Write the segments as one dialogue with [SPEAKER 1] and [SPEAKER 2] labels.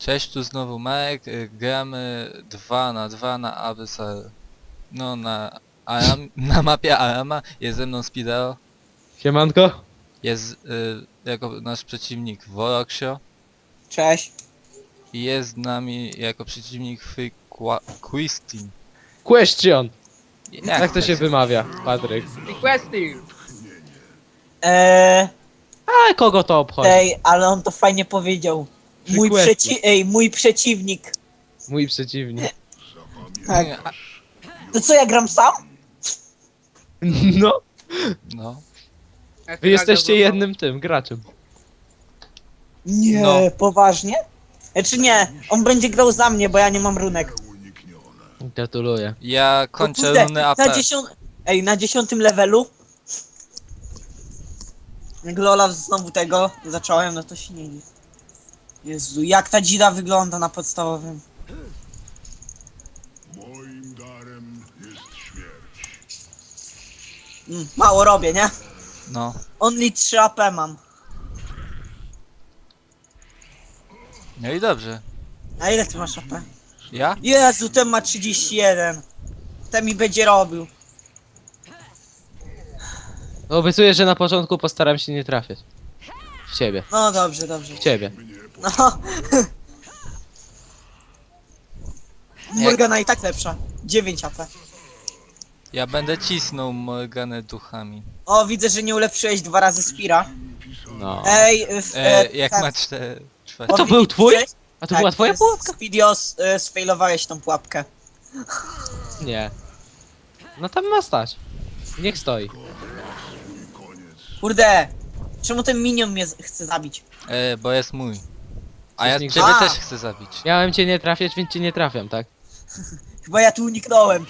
[SPEAKER 1] Cześć, tu znowu Marek, gramy 2 na 2 na Abyssal. No na mapie Arama, jest ze mną Spideo,
[SPEAKER 2] Siemanko.
[SPEAKER 1] jest jako nasz przeciwnik Woroxio
[SPEAKER 3] Cześć.
[SPEAKER 1] i jest z nami jako przeciwnik Quistin.
[SPEAKER 2] Question. Jak to
[SPEAKER 1] tak
[SPEAKER 2] się wymawia, Patryk?
[SPEAKER 4] Requesting!
[SPEAKER 2] A kogo to obchodzi?
[SPEAKER 3] Ale on to fajnie powiedział.
[SPEAKER 2] Requesting.
[SPEAKER 3] Mój przeciwnik.
[SPEAKER 2] Mój przeciwnik.
[SPEAKER 3] Tak. To co, ja gram sam?
[SPEAKER 2] No,
[SPEAKER 1] No,
[SPEAKER 2] wy jesteście jednym tym graczem.
[SPEAKER 3] Nie,
[SPEAKER 1] No.
[SPEAKER 3] poważnie? Czy nie, on będzie grał za mnie, bo ja nie mam runek.
[SPEAKER 2] Gratuluję.
[SPEAKER 1] ja kończę
[SPEAKER 3] Kurde,
[SPEAKER 1] runę AP.
[SPEAKER 3] na 10 levelu. Jak Lola znowu tego zacząłem, no to się nie dziw. Jezu, jak ta dzida wygląda na podstawowym.
[SPEAKER 5] Moim darem jest śmierć.
[SPEAKER 3] Mało robię, nie?
[SPEAKER 1] No,
[SPEAKER 3] Only 3 AP mam.
[SPEAKER 1] no i dobrze.
[SPEAKER 3] A ile ty masz AP?
[SPEAKER 1] Ja?
[SPEAKER 3] Jezu, ten ma 31. Ten mi będzie robił.
[SPEAKER 2] Obiecuję, że na początku postaram się nie trafiać. W ciebie.
[SPEAKER 3] No dobrze, dobrze.
[SPEAKER 2] W ciebie.
[SPEAKER 3] No. Morgana i tak lepsza. 9 AP.
[SPEAKER 1] Ja będę cisnął Morganę duchami.
[SPEAKER 3] O, widzę, że nie ulepszyłeś 2 razy Spira.
[SPEAKER 2] No.
[SPEAKER 3] Ej,
[SPEAKER 1] Jak
[SPEAKER 3] tak,
[SPEAKER 1] ma 4...
[SPEAKER 2] A to był twój? A to
[SPEAKER 3] tak,
[SPEAKER 2] była twoja pułapka?
[SPEAKER 3] Spidios, sfailowałeś tą pułapkę.
[SPEAKER 2] Nie. No tam ma stać. Niech stoi.
[SPEAKER 3] Kurde, czemu ten minion mnie chce zabić?
[SPEAKER 1] Bo jest mój. A ja
[SPEAKER 2] Przeciwnik-
[SPEAKER 1] ciebie
[SPEAKER 3] A!
[SPEAKER 1] też chcę zabić.
[SPEAKER 2] Miałem cię nie trafiać, więc cię nie trafiam, tak?
[SPEAKER 3] Chyba ja tu uniknąłem.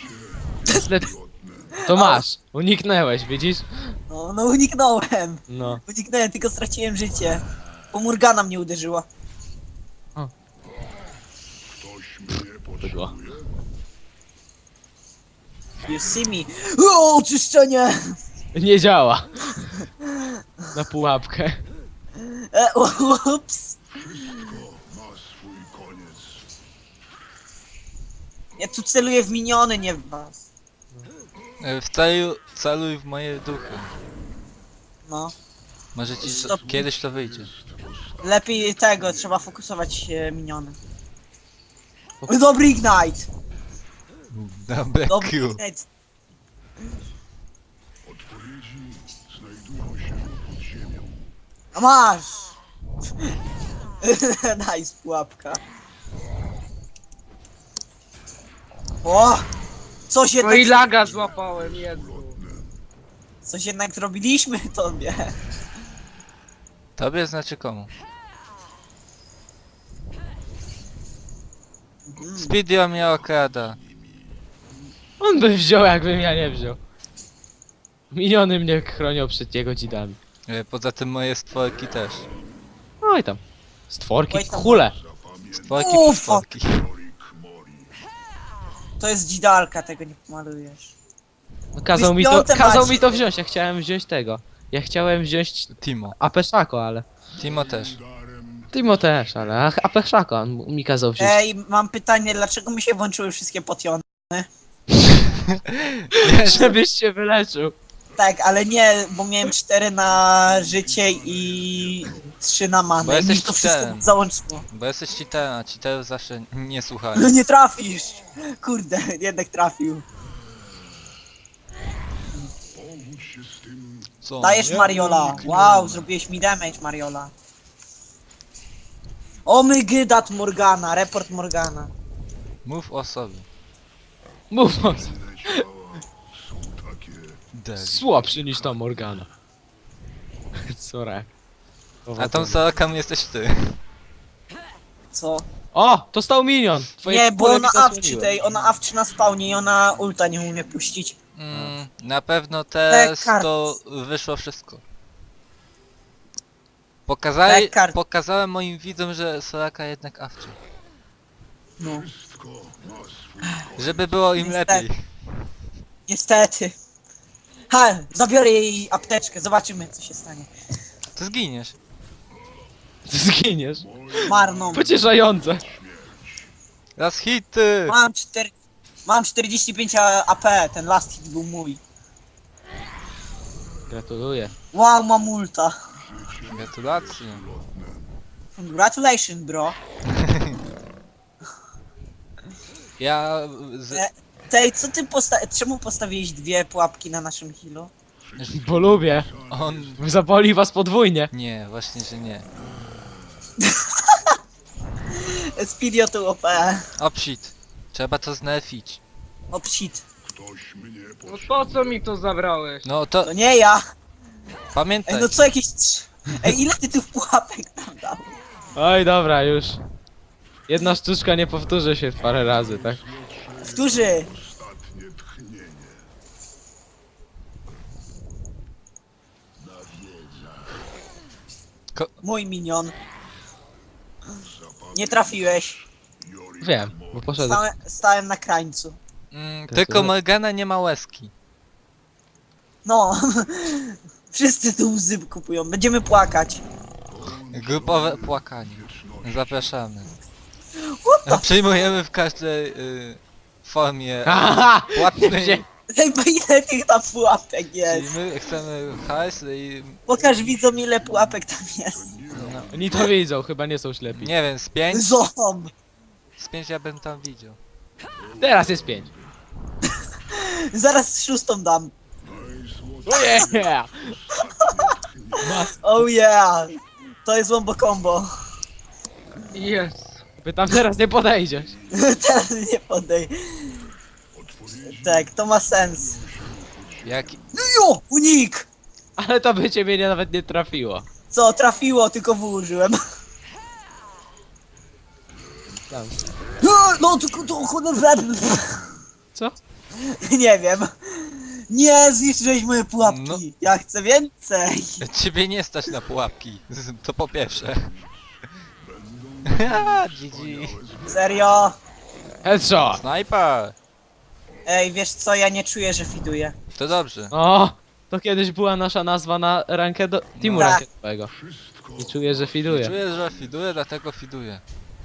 [SPEAKER 2] To masz. Uniknęłeś, widzisz?
[SPEAKER 3] No uniknąłem.
[SPEAKER 2] No.
[SPEAKER 3] Uniknąłem, tylko straciłem życie. Bo Morgana mnie uderzyła.
[SPEAKER 5] Ktoś mnie
[SPEAKER 2] Bydło.
[SPEAKER 5] potrzebuje.
[SPEAKER 3] You see me. O, oczyszczenie!
[SPEAKER 2] Nie działa. Na pułapkę.
[SPEAKER 3] Ups.
[SPEAKER 5] Ma swój koniec.
[SPEAKER 3] Ja tu celuję w miniony, nie w was.
[SPEAKER 1] Celuj w moje duchy.
[SPEAKER 3] No.
[SPEAKER 1] Może ci
[SPEAKER 3] Stop.
[SPEAKER 1] kiedyś to wyjdzie.
[SPEAKER 3] Lepiej tego, trzeba fokusować się miniony. Dobry Ignite!
[SPEAKER 1] Dobre
[SPEAKER 3] Dobry
[SPEAKER 1] Q.
[SPEAKER 3] Ignite.
[SPEAKER 5] Odpowiedzi znajdują się pod ziemią.
[SPEAKER 3] A masz! Nice pułapka. O! Coś
[SPEAKER 4] No
[SPEAKER 3] jednak,
[SPEAKER 4] i laga złapałem, Jezu.
[SPEAKER 3] coś jednak zrobiliśmy tobie.
[SPEAKER 1] Tobie znaczy komu? Speedio mnie okrada.
[SPEAKER 2] On by wziął, jakbym ja nie wziął. Miniony mnie chronią przed jego dzidami.
[SPEAKER 1] Poza tym moje stworki też.
[SPEAKER 2] Oj tam. Stworki,
[SPEAKER 3] Oj tam.
[SPEAKER 2] hule.
[SPEAKER 1] Stworki,
[SPEAKER 3] Ufa.
[SPEAKER 1] stworki.
[SPEAKER 3] To jest dzidalka, tego nie pomalujesz.
[SPEAKER 2] No, kazał
[SPEAKER 3] piąte
[SPEAKER 2] mi to
[SPEAKER 3] macie.
[SPEAKER 2] wziąć, ja chciałem wziąć tego. Ja chciałem wziąć
[SPEAKER 1] Timo.
[SPEAKER 2] Apeszako, ale...
[SPEAKER 1] Timo też.
[SPEAKER 5] Darem
[SPEAKER 2] Timo też, ale Apeszako on mi kazał wziąć.
[SPEAKER 3] Ej, mam pytanie, dlaczego mi się włączyły wszystkie potiony?
[SPEAKER 2] Żebyś się wyleczył.
[SPEAKER 3] Tak, ale nie, bo miałem 4 na życie i 3 na
[SPEAKER 1] Bo
[SPEAKER 3] manę. I mi
[SPEAKER 1] jesteś
[SPEAKER 3] to wszystko
[SPEAKER 1] cheaterem.
[SPEAKER 3] załączyło.
[SPEAKER 1] Bo jesteś cheaterem, a cheaterów zawsze nie słuchają.
[SPEAKER 3] No nie trafisz! Kurde, jednak trafił.
[SPEAKER 5] powódź się z tym.
[SPEAKER 1] Co?
[SPEAKER 3] Dajesz
[SPEAKER 1] Nie?
[SPEAKER 3] Mariola. Wow, zrobiłeś mi damage, Mariola. O my gydat Morgana, report Morgana.
[SPEAKER 1] Mów o sobie.
[SPEAKER 2] Mów on.
[SPEAKER 5] Inne ciała są takie.
[SPEAKER 1] Debil.
[SPEAKER 2] Słabszy niż ta Morgana. Sorry.
[SPEAKER 1] A tą Soroką jesteś ty.
[SPEAKER 3] Co?
[SPEAKER 2] O! To stał minion! Twoje
[SPEAKER 3] Nie, bo
[SPEAKER 2] kule
[SPEAKER 3] ona
[SPEAKER 2] mi
[SPEAKER 3] awczy
[SPEAKER 2] zasłoniły.
[SPEAKER 3] tej, ona awczy na spawnie i ona ulta nie umie puścić.
[SPEAKER 1] Na pewno teraz
[SPEAKER 3] Dekard.
[SPEAKER 1] to wyszło wszystko.
[SPEAKER 3] Dekard.
[SPEAKER 1] Pokazałem moim widzom, że Soraka jednak awczy.
[SPEAKER 3] No,
[SPEAKER 5] Wszystko ma swój
[SPEAKER 1] Żeby było im
[SPEAKER 3] Niestety.
[SPEAKER 1] lepiej.
[SPEAKER 3] niestety. Ha, zabiorę jej apteczkę, zobaczymy co się stanie.
[SPEAKER 1] To zginiesz.
[SPEAKER 2] Ty zginiesz.
[SPEAKER 3] Marną.
[SPEAKER 2] Pocieszające.
[SPEAKER 1] Raz hity!
[SPEAKER 3] Mam 45 AP, ten last hit był mój.
[SPEAKER 2] Gratuluję.
[SPEAKER 3] Wow, mam ulta.
[SPEAKER 1] Gratulacje.
[SPEAKER 3] Congratulations, bro.
[SPEAKER 1] Ja... Z...
[SPEAKER 3] Tej, co ty czemu postawiłeś dwie pułapki na naszym healu?
[SPEAKER 2] Bo lubię.
[SPEAKER 1] On...
[SPEAKER 2] Zaboli was podwójnie.
[SPEAKER 1] Nie, właśnie, że nie.
[SPEAKER 3] Speedio to OP.
[SPEAKER 1] O psit. Trzeba to znerfić.
[SPEAKER 3] O psit.
[SPEAKER 5] Ktoś mnie
[SPEAKER 4] No po co mi to zabrałeś?
[SPEAKER 1] No to
[SPEAKER 3] To nie ja.
[SPEAKER 1] pamiętaj.
[SPEAKER 3] Ej, no co jakieś... Ej, ile ty tych pułapek tam dał?
[SPEAKER 2] Oj, dobra, już. Jedna sztuczka nie powtórzy się parę razy, tak?
[SPEAKER 3] Którzy?
[SPEAKER 5] ostatnie tchnienie.
[SPEAKER 3] Mój minion. Nie trafiłeś.
[SPEAKER 2] Wiem, bo poszedłem.
[SPEAKER 3] Stałem na krańcu.
[SPEAKER 1] Tylko Morgana nie ma łezki.
[SPEAKER 3] No. Wszyscy tu łzy kupują. Będziemy płakać.
[SPEAKER 1] Grupowe płakanie. Zapraszamy.
[SPEAKER 3] What the...
[SPEAKER 1] Przyjmujemy w każdej formie
[SPEAKER 2] Haha!
[SPEAKER 1] płatnej.
[SPEAKER 3] Ej, bo ile tych tam pułapek
[SPEAKER 1] Czyli
[SPEAKER 3] jest?
[SPEAKER 1] my chcemy hajs i...
[SPEAKER 3] Pokaż widzom ile pułapek tam jest.
[SPEAKER 1] No,
[SPEAKER 2] Oni to widzą, chyba nie są ślepi.
[SPEAKER 1] nie wiem, z 5?
[SPEAKER 3] Zom.
[SPEAKER 1] Z 5 ja bym tam widział.
[SPEAKER 2] Teraz jest 5.
[SPEAKER 3] Zaraz szóstą dam.
[SPEAKER 2] Yeah! Mas,
[SPEAKER 3] Oh yeah. To jest wombo combo.
[SPEAKER 4] Jest.
[SPEAKER 2] by tam teraz nie podejdziesz.
[SPEAKER 3] Teraz nie podej. Tak, to ma sens.
[SPEAKER 1] Jaki...
[SPEAKER 3] No jo, unik!
[SPEAKER 2] Ale to by ciebie nawet nie trafiło.
[SPEAKER 3] Co, trafiło, tylko W użyłem.
[SPEAKER 2] Tam.
[SPEAKER 3] No, tylko to...
[SPEAKER 2] Co?
[SPEAKER 3] Nie wiem. Nie, zniszczyłeś moje pułapki.
[SPEAKER 1] No.
[SPEAKER 3] Ja chcę więcej.
[SPEAKER 1] Ciebie nie stać na pułapki. To po pierwsze. GG.
[SPEAKER 3] Serio?
[SPEAKER 2] Headshot!
[SPEAKER 1] Snajper!
[SPEAKER 3] Ej, wiesz co, ja nie czuję, że fiduję.
[SPEAKER 1] To dobrze.
[SPEAKER 2] O! To kiedyś była nasza nazwa na rankę do... teamu
[SPEAKER 3] Tak.
[SPEAKER 2] rankedowego. I czuję, że fiduje.
[SPEAKER 1] Czuję, że fiduję, dlatego fiduję.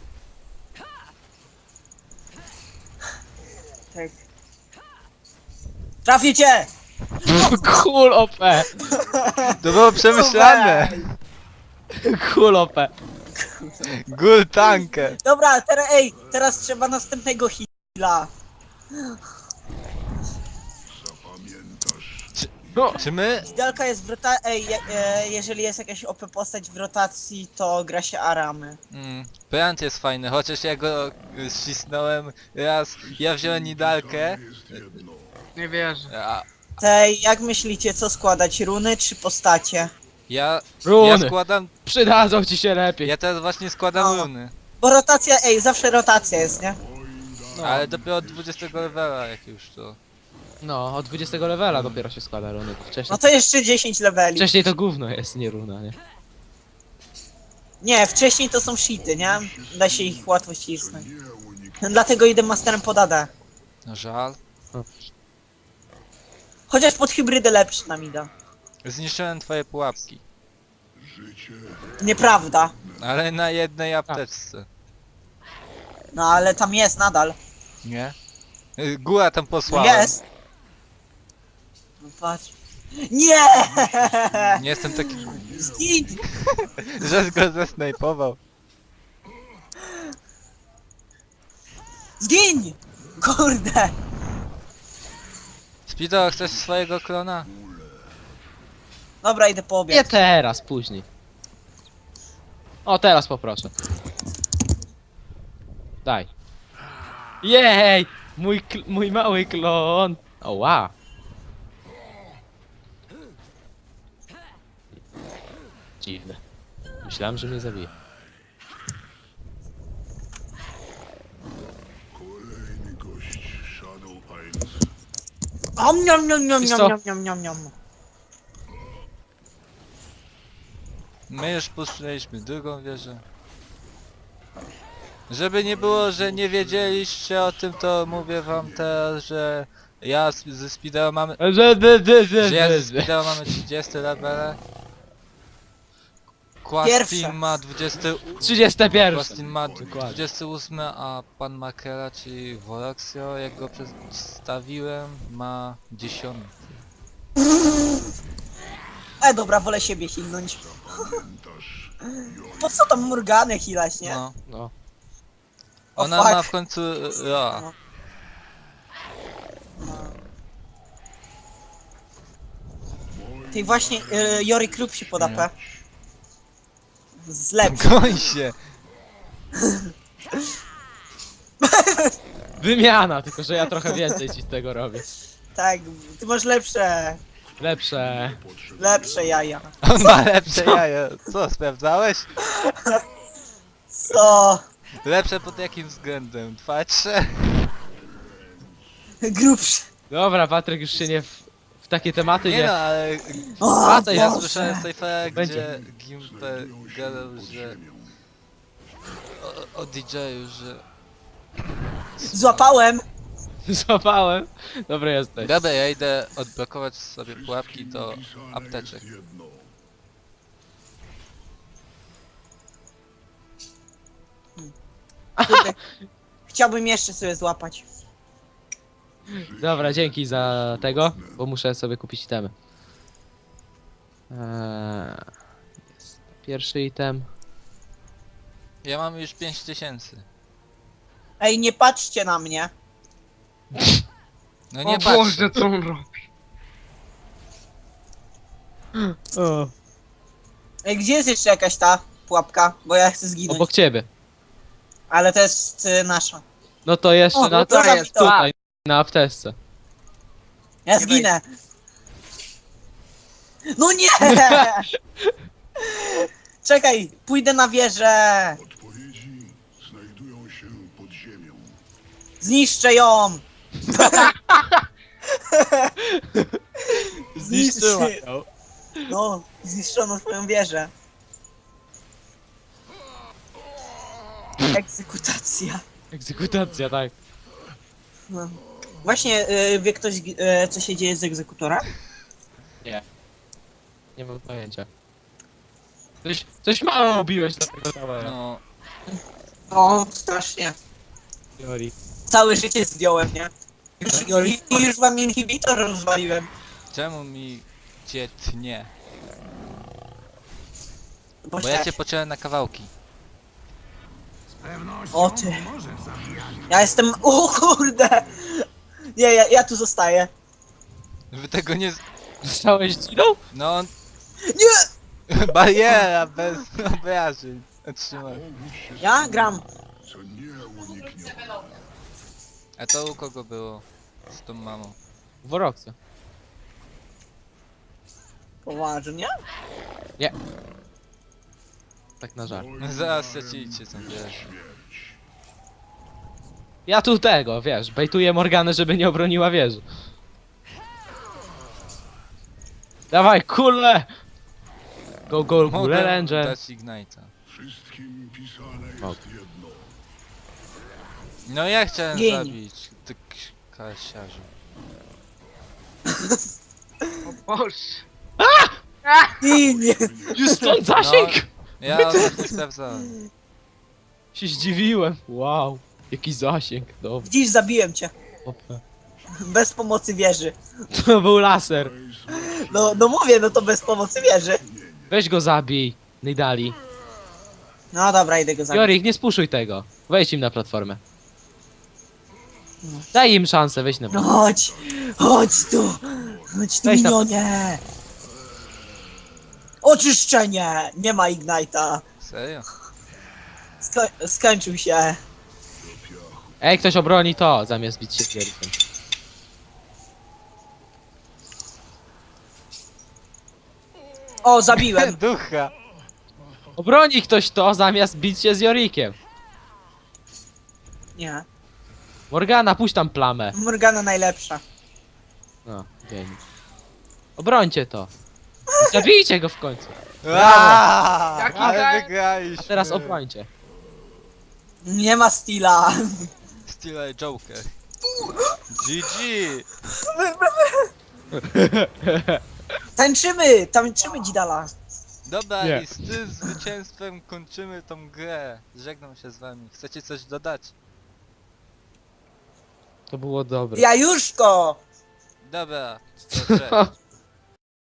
[SPEAKER 3] Tak. Trafię cię!
[SPEAKER 2] Cool OP!
[SPEAKER 1] To było przemyślane!
[SPEAKER 2] Cool OP!
[SPEAKER 1] Gul tankę!
[SPEAKER 3] Dobra, teraz trzeba następnego heala.
[SPEAKER 2] No!
[SPEAKER 1] Czy my...
[SPEAKER 3] Idealka jest w rotacji. Jeżeli jest jakaś OP postać w rotacji, to gra się Aramy.
[SPEAKER 1] Brand jest fajny, chociaż ja go ścisnąłem raz. Ja wziąłem Nidalkę,
[SPEAKER 4] Nie wierzę.
[SPEAKER 1] a
[SPEAKER 3] Tej, jak myślicie, co składać? Runy czy postacie?
[SPEAKER 1] ja
[SPEAKER 2] Runy!
[SPEAKER 1] składam...
[SPEAKER 2] Przydadzą ci się lepiej.
[SPEAKER 1] Ja teraz właśnie składam
[SPEAKER 3] No.
[SPEAKER 1] runy.
[SPEAKER 3] Bo rotacja, zawsze rotacja jest, nie?
[SPEAKER 2] No.
[SPEAKER 1] Ale dopiero od 20 levela jak już to...
[SPEAKER 2] No, od 20 levela dopiero się składa runy. Wcześniej,
[SPEAKER 3] No to jeszcze 10 leveli.
[SPEAKER 2] wcześniej to gówno jest, nie runa, nie?
[SPEAKER 3] Nie, wcześniej to są shity, nie? Da się ich łatwo ścisnąć. Dlatego idę masterem pod AD.
[SPEAKER 1] No żal.
[SPEAKER 3] Chociaż pod hybrydę lepszy nam ida.
[SPEAKER 1] Zniszczyłem twoje pułapki.
[SPEAKER 3] Nieprawda.
[SPEAKER 1] Ale na jednej apteczce.
[SPEAKER 3] No ale tam jest nadal.
[SPEAKER 1] Nie? Góra tam
[SPEAKER 3] No
[SPEAKER 1] posłałem.
[SPEAKER 3] jest. No patrz. Nie!
[SPEAKER 1] Nie jestem taki...
[SPEAKER 3] Zgin!
[SPEAKER 1] że go zesnajpował.
[SPEAKER 3] Zgin! Kurde!
[SPEAKER 1] Speedo, chcesz swojego klona?
[SPEAKER 3] Dobra, idę po
[SPEAKER 2] Nie
[SPEAKER 3] obiad.
[SPEAKER 2] teraz, później. O, teraz poproszę. Daj. Jej! Mój mały klon! O, wow. Dziwne. Myślałem, że mnie zabije.
[SPEAKER 5] Kolejny gość Shadow Isles.
[SPEAKER 3] Om niom niom niom
[SPEAKER 2] Wiesz
[SPEAKER 3] niom
[SPEAKER 2] co?
[SPEAKER 3] niom niom niom niom.
[SPEAKER 1] My już puszczyliśmy drugą wieżę. Żeby nie było, że nie wiedzieliście o tym, to mówię wam teraz, że ja ze Speedo mamy... Że ja ze Speedo mamy 30 level.
[SPEAKER 3] Pierwsze.
[SPEAKER 1] Quastin ma 20...
[SPEAKER 2] 31.
[SPEAKER 1] Quastin ma
[SPEAKER 2] Dokładnie.
[SPEAKER 1] 28, a pan Makera, czyli Voroxio, jak go przedstawiłem, ma 10.
[SPEAKER 3] Dobra, wolę siebie hilnąć. Po co tam Morganę hilać, nie?
[SPEAKER 1] No.
[SPEAKER 2] No.
[SPEAKER 3] O,
[SPEAKER 1] Ona
[SPEAKER 3] fuck.
[SPEAKER 1] ma w końcu... Ja.
[SPEAKER 3] Ty właśnie, Jory Krupp się pod AP. Zlepsz.
[SPEAKER 1] Goń się!
[SPEAKER 2] Wymiana, tylko że ja trochę więcej ci z tego robię.
[SPEAKER 3] Tak, ty masz lepsze,
[SPEAKER 2] Lepsze.
[SPEAKER 3] lepsze jaja.
[SPEAKER 1] On ma lepsze jaja. Co, sprawdzałeś?
[SPEAKER 3] Co?
[SPEAKER 1] Lepsze pod jakim względem? Patrzę.
[SPEAKER 3] Grubsze.
[SPEAKER 2] Dobra, Patryk już się nie w takie tematy
[SPEAKER 1] Nie
[SPEAKER 2] nie...
[SPEAKER 1] no, ale
[SPEAKER 3] O,
[SPEAKER 2] Wracaj,
[SPEAKER 1] ja
[SPEAKER 3] Boże.
[SPEAKER 1] słyszałem z tej fali,
[SPEAKER 2] Będzie.
[SPEAKER 1] gdzie Gimper gadał, że... O DJ-u, że...
[SPEAKER 3] Złapałem.
[SPEAKER 2] Złapałem. Dobra, jesteś.
[SPEAKER 1] Dobra, ja idę odblokować sobie pułapki do apteczek.
[SPEAKER 3] Kurde. Chciałbym jeszcze sobie złapać.
[SPEAKER 2] Dobra, dzięki za tego, bo muszę sobie kupić itemy. Jest pierwszy item.
[SPEAKER 1] Ja mam już 5000.
[SPEAKER 3] Ej, nie patrzcie na mnie.
[SPEAKER 1] No
[SPEAKER 4] O
[SPEAKER 1] nie
[SPEAKER 4] Boże,
[SPEAKER 1] patrzę.
[SPEAKER 4] co on robi?
[SPEAKER 2] O.
[SPEAKER 3] Ej, gdzie jest jeszcze jakaś ta pułapka? Bo ja chcę zginąć.
[SPEAKER 2] Obok ciebie.
[SPEAKER 3] Ale to jest nasza.
[SPEAKER 2] No to jeszcze
[SPEAKER 3] O,
[SPEAKER 2] na
[SPEAKER 3] to
[SPEAKER 2] tutaj,
[SPEAKER 3] jest to.
[SPEAKER 2] tutaj, na apteczce.
[SPEAKER 3] Ja zginę. No nie! Czekaj, pójdę na wieżę.
[SPEAKER 5] Odpowiedzi znajdują się pod ziemią.
[SPEAKER 3] Zniszczę ją.
[SPEAKER 2] Zniszczyła
[SPEAKER 3] Zniszczy.
[SPEAKER 2] ją.
[SPEAKER 3] No, zniszczono swoją wieżę. Egzekutacja.
[SPEAKER 2] Egzekutacja, tak.
[SPEAKER 3] No. Właśnie, wie ktoś, co się dzieje z egzekutorem?
[SPEAKER 2] Nie mam pojęcia. Coś mało robiłeś na tego towera.
[SPEAKER 1] No,
[SPEAKER 3] No, strasznie.
[SPEAKER 2] Teorii.
[SPEAKER 3] Całe życie zdjąłem, nie? Już wam inhibitor rozwaliłem.
[SPEAKER 1] czemu mi cię tnie?
[SPEAKER 3] Bo
[SPEAKER 1] Bo ja cię pociąłem na kawałki.
[SPEAKER 3] O ty. Ja jestem... O kurde! Nie, ja tu zostaję.
[SPEAKER 1] Wy tego nie...
[SPEAKER 2] Zostałeś dzidą?
[SPEAKER 1] No, on...
[SPEAKER 3] Nie!
[SPEAKER 1] Bariera bez obrażeń. Trzymaj.
[SPEAKER 3] Ja gram.
[SPEAKER 5] Co nieuniknione.
[SPEAKER 1] A to u kogo było? Z tą mamą.
[SPEAKER 2] W Woroxie.
[SPEAKER 3] Poważnie?
[SPEAKER 2] Tak na żart.
[SPEAKER 1] No zaraz stracicie tą grę.
[SPEAKER 2] Ja tu tego, wiesz, bejtuję Morganę, żeby nie obroniła wieży. Dawaj, kule! Go,
[SPEAKER 1] Mogę
[SPEAKER 2] kule, Ranger.
[SPEAKER 1] dać Ignite'a.
[SPEAKER 5] Wszystkim pisane jest
[SPEAKER 2] Ok.
[SPEAKER 5] jedno.
[SPEAKER 1] No ja chciałem
[SPEAKER 3] Gień.
[SPEAKER 1] zabić, ty kasiarzu.
[SPEAKER 4] O Boże.
[SPEAKER 3] I nie.
[SPEAKER 2] Już stąd zasięg!
[SPEAKER 1] Ja właśnie sprawdzałem.
[SPEAKER 2] Się zdziwiłem. Wow, jaki zasięg. Dobra.
[SPEAKER 3] Widzisz, zabiłem cię.
[SPEAKER 2] Opa.
[SPEAKER 3] Bez pomocy wieży.
[SPEAKER 2] To był laser.
[SPEAKER 3] No mówię, no to bez pomocy wieży.
[SPEAKER 2] Weź go zabij. Nidali.
[SPEAKER 3] No dobra, idę go zabić.
[SPEAKER 2] Jorik, nie spuszuj tego. Wejdź im na platformę. Daj im szansę, weź na
[SPEAKER 3] No
[SPEAKER 2] platformę.
[SPEAKER 3] chodź tu. Chodź tu,
[SPEAKER 2] Weź na-
[SPEAKER 3] minionie. Oczyszczenie. Nie ma Ignite'a.
[SPEAKER 1] Serio?
[SPEAKER 3] Skończył się.
[SPEAKER 2] Ej, ktoś obroni to, zamiast bić się z Jorikiem.
[SPEAKER 3] O, zabiłem.
[SPEAKER 1] Ducha!
[SPEAKER 2] Obroni ktoś to, zamiast bić się z Jorikiem.
[SPEAKER 3] Nie.
[SPEAKER 2] Morgana, puść tam plamę.
[SPEAKER 3] Morgana najlepsza.
[SPEAKER 2] No, dzień. Obrońcie to. Zabijcie go w końcu.
[SPEAKER 1] Aaaa!
[SPEAKER 4] Jaki
[SPEAKER 1] Ale
[SPEAKER 4] gaj?
[SPEAKER 1] wygraliśmy!
[SPEAKER 2] A teraz obrońcie.
[SPEAKER 3] Nie ma Steela.
[SPEAKER 1] Style Joker. GG!
[SPEAKER 3] Tańczymy dzidala.
[SPEAKER 1] Dobra,
[SPEAKER 2] Nie.
[SPEAKER 1] i z tym zwycięstwem kończymy tą grę. Żegnam się z wami. Chcecie coś dodać?
[SPEAKER 2] To było dobre.
[SPEAKER 3] Jajuszko!
[SPEAKER 1] Dobra, to cześć.